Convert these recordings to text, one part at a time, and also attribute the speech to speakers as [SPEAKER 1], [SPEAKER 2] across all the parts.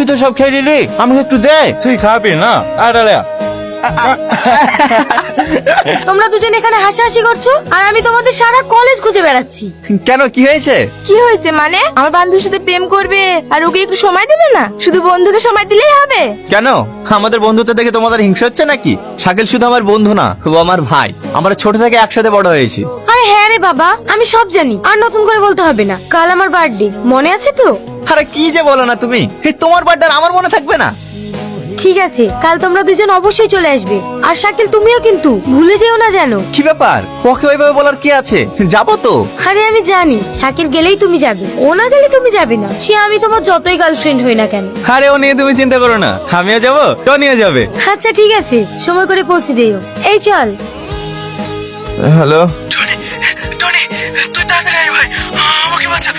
[SPEAKER 1] তো সব খেয়ে নিলি, আমাকে একটু দে।
[SPEAKER 2] তুই খাবি না? আরে
[SPEAKER 3] তোমরা দুজন এখানে হাসাহাসি করছো আর আমি তোমাদের সারা কলেজ খুঁজে বেড়াচ্ছি।
[SPEAKER 1] কেন, কি হয়েছে?
[SPEAKER 3] কি হয়েছে মানে? আমার বান্ধবীর সাথে প্রেম করবে আর ওকে একটু সময় দেবে না? শুধু বন্ধুকে সময় দিলেই হবে?
[SPEAKER 1] কেন, আমাদের বন্ধুত্ব দেখে তোমাদের হিংসা হচ্ছে নাকি? শাকিল শুধু আমার বন্ধু না, ও আমার ভাই। আমরা ছোট থেকে একসাথে বড় হয়েছি।
[SPEAKER 3] আরে হ্যাঁ রে বাবা, আমি সব জানি, আর নতুন করে বলতে হবে না। কাল আমার বার্থডে, মনে আছে তো?
[SPEAKER 1] আরে কি যে বলো না তুমি, তোমার বার্থডে আমার মনে থাকবে না?
[SPEAKER 3] ঠিক আছে, কাল তোমরা দুজন অবশ্যই চলে আসবে। আর শাকিল তুমিও কিন্তু ভুলে যেও না যেন।
[SPEAKER 1] কি ব্যাপার, ওকে ওইভাবে বলার কি আছে? যাবো তো।
[SPEAKER 3] আরে আমি জানি শাকিল গেলেই তুমি যাবে, ও না গেলে তুমি যাবে না। সে আমি তোমার যতই গার্লফ্রেন্ড হই না কেন।
[SPEAKER 2] আরে ও নিয়ে তুমি চিন্তা করো না, আমিও যাবো, টনিও যাবে।
[SPEAKER 3] আচ্ছা ঠিক আছে, সময় করে পৌঁছে যেও। এই চল।
[SPEAKER 1] হ্যালো।
[SPEAKER 4] টনি, তুই তাড়াতাড়ি আয় ভাই, আমাকে বাঁচা।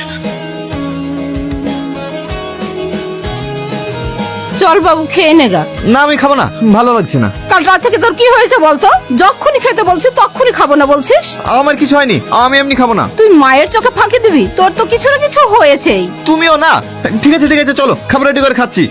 [SPEAKER 5] চল বাবু, খেয়ে নেগা।
[SPEAKER 1] না আমি খাবো না, ভালো লাগছে না।
[SPEAKER 5] কাল রাত থেকে তোর কি হয়েছে বলতো? যখনই খেতে বলছিস তখনই খাবো না বলছিস।
[SPEAKER 1] আমার কিছু হয়নি, আমি এমনি খাবো না।
[SPEAKER 5] তুই মায়ের চোখে ফাঁকি দিবি? তোর তো কিছু না কিছু হয়েছেই।
[SPEAKER 1] তুমিও না। ঠিক আছে ঠিক আছে, চলো খাবার রেডি করে খাচ্ছি।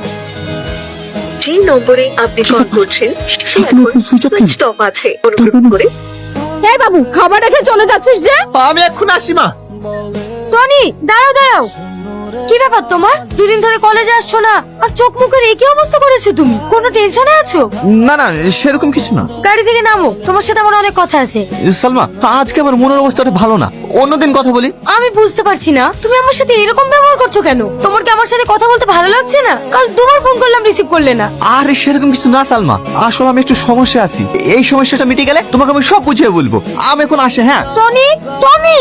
[SPEAKER 6] যে নম্বরে আপনি কল করছেন সে এখন সুইচ অফ আছে, অনুগ্রহ করে।
[SPEAKER 5] এই বাবু, খাবার রেখে চলে যাচ্ছিস যে?
[SPEAKER 1] আমি এখন আসি মা।
[SPEAKER 3] টনি দাঁড়াও দাঁড়াও, কি ব্যাপার তোমার? দুদিন ধরে কলেজে আসছো না আর চোখ মুখের একই অবস্থা করেছো তুমি। কোনো টেনশনে আছো?
[SPEAKER 1] না না, সেরকম কিছু না।
[SPEAKER 3] গাড়ি থেকে নামো, তোমার সাথে আমার অনেক কথা আছে।
[SPEAKER 1] সালমা, আজকে আমার মনের অবস্থাটা ভালো না, অন্যদিন কথা বলি।
[SPEAKER 3] আমি বুঝতে পারছি না তুমি আমার সাথে এরকম ব্যবহার করছো কেন। তোমার কি আমার সাথে কথা বলতে ভালো লাগছে না? কাল দুবার ফোন করলাম, রিসিভ করলে না।
[SPEAKER 1] আরে সেরকম কিছু না সালমা, আসলে আমি একটু সমস্যা আছি। এই সমস্যাটা মিটে গেলে তোমাকে আমি সব বুঝিয়ে বলবো। আমি এখন আসে। হ্যাঁ
[SPEAKER 3] টনি, টনি।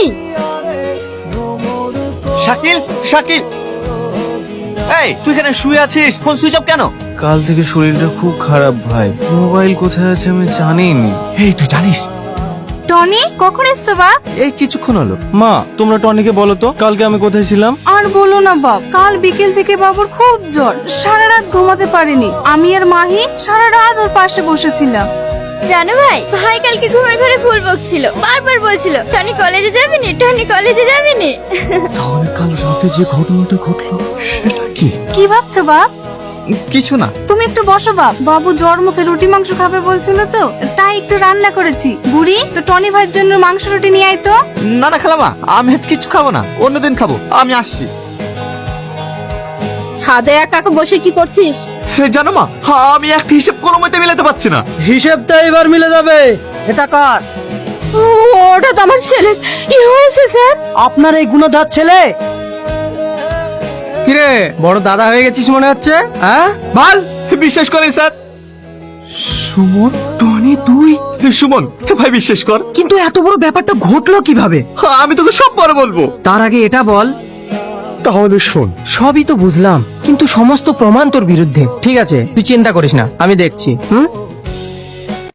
[SPEAKER 1] শাকিল, শাকিল, এই তুই এখানে শুয়ে আছিস, ফোন সুইচ অফ কেন?
[SPEAKER 2] কাল থেকে শরীরটা খুব খারাপ ভাই, মোবাইল কোথায় আছে আমি জানিনি।
[SPEAKER 1] এই তুই জানিস?
[SPEAKER 3] টনি কখন এসছো বাপ?
[SPEAKER 1] এই কিছুক্ষণ হলো।
[SPEAKER 2] মা, তোমরা টনিকে বলো তো কালকে আমি কোথায় ছিলাম।
[SPEAKER 7] আর বলো না বাপ, কাল বিকেল থেকে বাবুর খুব জ্বর, সারা রাত ঘুমাতে পারেনি। আমি আর মাহি সারা রাত ওর পাশে বসেছিলাম।
[SPEAKER 8] জানো ভাই, ভাই কালকে ঘুমের ঘরে ফুল বকছিল, বারবার বলছিল টনি কলেজে যাবি নি, টনি কলেজে যাবি নি।
[SPEAKER 1] তাহলে কাল রাতে যে ঘটনাটা ঘটলো সেটা কি?
[SPEAKER 7] কি ভাবছো বাপ?
[SPEAKER 1] কিছু না।
[SPEAKER 7] তুমি একটু বসো বাপ, বাবু জ্বর মুখে রুটি মাংস খাবে বলছিল তো, তাই একটু রান্না করেছি। বুড়ি তো টনি ভাইয়ের জন্য মাংস রুটি নিয়ে আয় তো।
[SPEAKER 1] না না খালামা, আমি আজ কিছু খাবো না, অন্যদিন খাবো। আমি আসছি।
[SPEAKER 5] ছাদে একা একা বসে কি করছিস?
[SPEAKER 1] জানো মা, আমি একটা হিসেব কোনো মতে মিলাতে পারছি না।
[SPEAKER 4] হিসেবটা এবার মিলে যাবে। এটা কার?
[SPEAKER 5] ওটা তো আমার ছেলে। কি হয়েছে স্যার?
[SPEAKER 4] আপনার এই গুণধর ছেলে? কিরে, বড় দাদা হয়ে গেছিস মনে হচ্ছে, হ্যাঁ? বল।
[SPEAKER 1] বিশ্বাস করেন স্যার। সুমন, টনি তুই? সুমন ভাই, বিশ্বাস কর।
[SPEAKER 4] কিন্তু এত বড় ব্যাপারটা ঘটলো কিভাবে?
[SPEAKER 1] আমি তোকে সব পরে বলবো।
[SPEAKER 4] তার আগে এটা বল।
[SPEAKER 1] তাহলে শোন।
[SPEAKER 4] সবই তো বুঝলাম, কিন্তু সমস্ত প্রমাণ তোর বিরুদ্ধে। ঠিক আছে, তুই চিন্তা করিস না, আমি দেখছি।